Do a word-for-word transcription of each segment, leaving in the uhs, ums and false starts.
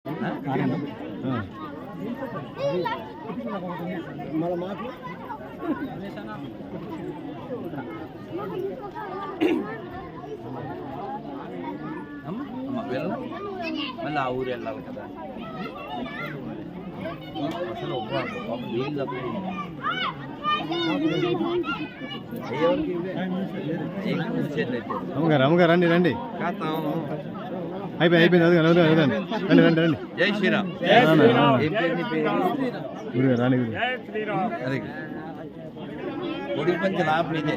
మళ్ళీ మాకు మళ్ళీ ఆ ఊరు వెళ్ళాలి కదా అసలు నీళ్ళు అమ్మగారు అమ్మగారు రండి రండి అయిపోయింది అయిపోయింది అది రండి రండి రండి రండి జై శ్రీరామ్ గురుగారు రాని గురు అదే కొడుకు పంచి లాభం ఇదే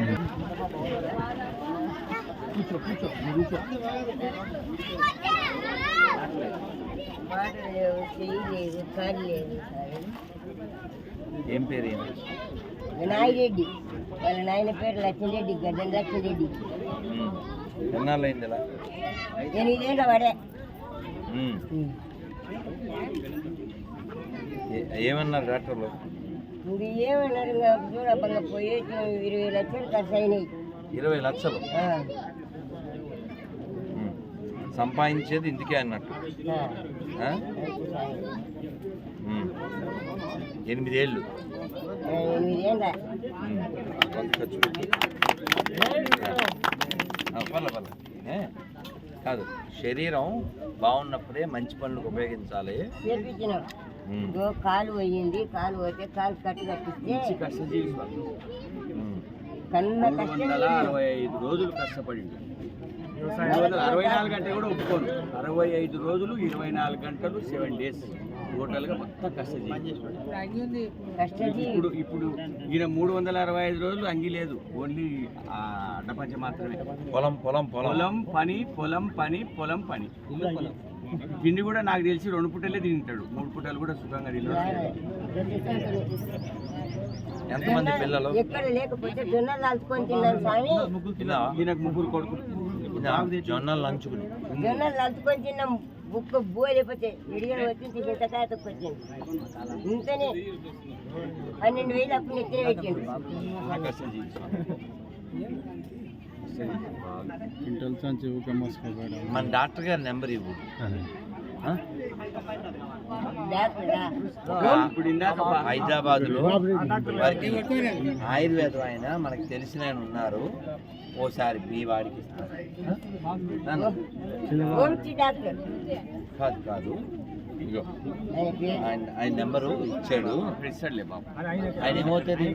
ఏం పేరు నాయిరెడ్డి వాళ్ళ నాయన పేరు లక్ష్మీరెడ్డి గడ్డం లక్ష్మీరెడ్డి ఎన్నాళ్ళు అయింది ఇలా ఎనిమిదేళ్ళ వాడే ఏమన్నారు డాక్టర్లు ఇది ఏమన్నారు ఇంకా చూడపంగా పోయి ఇరవై లక్షలు ఖర్చు అయినాయి ఇరవై లక్షలు సంపాదించేది ఇందుకే అన్నట్టు ఎనిమిదేళ్ళు ఎనిమిదేళ్ళ ఖర్చు పెట్టి పర్లే పర్లే కాదు శరీరం బాగున్నప్పుడే మంచి పనులకు ఉపయోగించాలి చేపించినాం కాలు పోయింది కాలు పోతే కాలు కట్టు కట్టిస్తే కష్టజీవి కన్న కష్టం అరవై ఐదు రోజులు కష్టపడి అరవై నాలుగు గంటలు కూడా ఒప్పుకోను అరవై ఐదు రోజులు ఇరవై నాలుగు గంటలు సెవెన్ డేస్ టోటల్గా మొత్తం కష్టజీవి ఇప్పుడు ఇప్పుడు ఈయన మూడు వందల అరవై ఐదు రోజులు అంగి లేదు ఓన్లీ అడ్డపంచ మాత్రమే పొలం పొలం పొలం పని పొలం పని పొలం పని తిండి కూడా నాకు తెలిసి రెండు పుట్టలే తింటాడు మూడు పుట్టలు కూడా సుఖంగా తింటాడు ఎంతమంది పిల్లలు ఎక్కడ లేకపోతే జొన్నలు నంచుకొని తిన్నాను స్వామి దీనికి ముగ్గురు కొడుకు జొన్నలు నంచుకుని జొన్నలు నంచుకొని తిన్నాం బుక్క బో లేకపోతే విడిగా వచ్చింది చింతకాయ తొక్కు వచ్చింది ఇంతనే పన్నెండు వేలు అప్పుడు నెత్తిన పెట్టిండు మన డాక్టర్ గారి నెంబర్ ఇవ్వు హైదరాబాద్ లో వారికి ఆయుర్వేదం ఆయన మనకి తెలిసిన ఆయన ఉన్నారు ఓసారి మీ వాడికి కాదు కాదు ఇగో ఆయన ఆయన నెంబరు ఇచ్చాడు ఇస్తాడులే బాబు ఆయన ఏమవుతుంది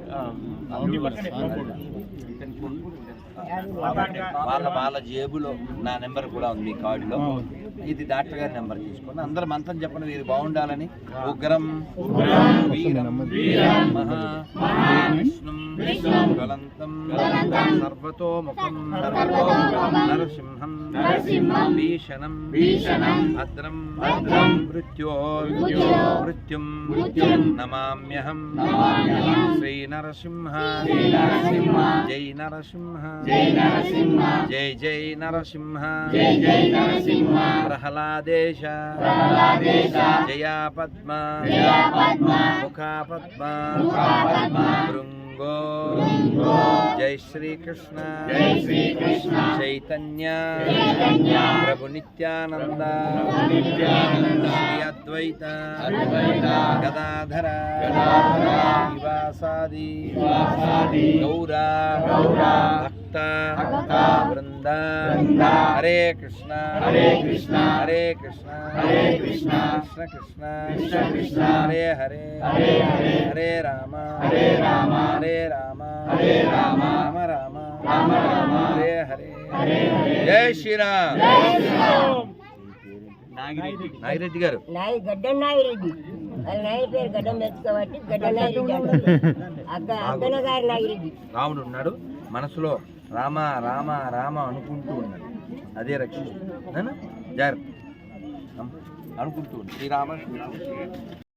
వాళ్ళ వాళ్ళ జేబులో నా నెంబర్ కూడా ఉంది మీ కార్డులో ఇది డాక్టర్ గారి నెంబర్ తీసుకుని అందరూ మంత్రం చెప్పండి వీరు బాగుండాలని ఉగ్రం వీరం మహావిష్ణుం జ్వలంతం సర్వతోముఖం నరసింహం భీషణం భద్రం మృత్యోర్మృత్యుం నమామ్యహం శ్రీ నరసింహ జై నరసింహ జై జై నరసింహ ప్రహ్లాదేశ జయా పద్మ ముఖా పద్మ భృంగో జై శ్రీకృష్ణ చైతన్య ప్రభు నిత్యానంద శ్రీ అద్వైత గదాధర శ్రీవాసాది గౌరా భక్త వృంద హరే కృష్ణ హరే కృష్ణ హరే కృష్ణ హరే కృష్ణ కృష్ణ కృష్ణ కృష్ణ కృష్ణ హరే హరే హరే హరే హరే రామ హరే రామ హరే రామ హరే రామ రామ రామ రామ రామ హరే హరే హరే హరే జై శ్రీరామ్ నాగిరెడ్డి గారు నాయి గడ్డం నాగిరెడ్డి వాళ్ళ నాయన పేరు గడ్డం తెచ్చుకోబట్టి గడ్డం నాగిరెడ్డి అంటారు అక్క అక్కన గారి నాగిరెడ్డి రాముడు ఉన్నాడు మనసులో రామ రామ రామ అనుకుంటూ ఉన్నాడు అదే రక్షణ జాగ్రత్త అనుకుంటూ శ్రీరామ శ్రీరామ